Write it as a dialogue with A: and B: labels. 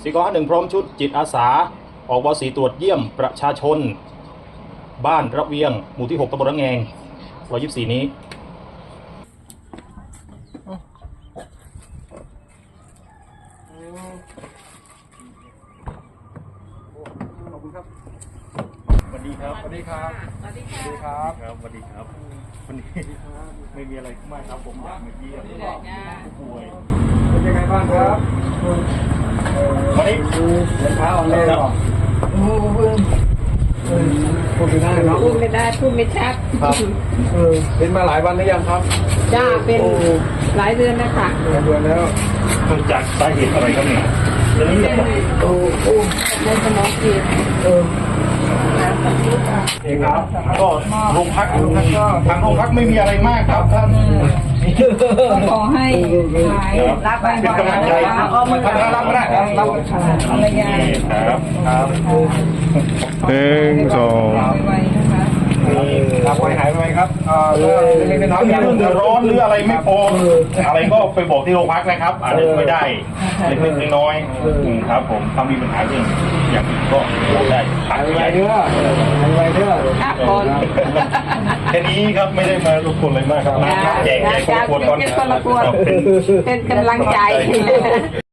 A: 4951พร้อมชุดจิตอาสาออกวสีตรวจเยี่ยมประชาชนบ้านระเวียงหมู่ที่6ตำบลระแงง124นี้ขอบคุณครับสวัสดีครับสวัสดีครับสวัสดีครับครับสวัสดีครับวันนี้ไม่มีอะไรมากครับผมอยากมาเยี่ยมผู้ป่วยเป็นยังไงบ้างครับวันนี้เช้าอ่อนเลยหรอพูดไม่ได้เนาะ
B: พูดไม่ได้พูดไม่ชัด
A: ครับเป็นมาหลายวันหรือยังครับ
B: จ้าเป็นหลายเดือนแล้วค่ะ
A: หลายเดือนแล้วเกิดจากสาเหตุอะไรครับเนี่ยเรื่องนี้เหรอ
B: ในสมองตีบ
A: เองครับก็โรงพักก็ทางโรงพักไม่มีอะไรมากครับท่าน
B: ขอให้หายรับไป
A: เป็นกำลังใจท่านรับก็ได้ครับรับ
B: อะไรอย่าง
A: ครับครับ
C: 1 2
B: ไว้นะคะ
A: รับไว้หายไปครับเรื่องเดือดร้อนหรืออะไรไม่พออะไรก็ไปบอกที่โรงพักนะครับอาจจะไม่ได้เล็กๆน้อยๆครับผมถ้ามีปัญหาเรื่องอย่างอื่นก็ได้ผ่านไปเรื่อย
B: ครับคน
A: แค่นี้ครับไม่ได้มารบกวนอะไรมากครับน้ำแจกคนละขวดก่อน
B: เป็นกำลังใจ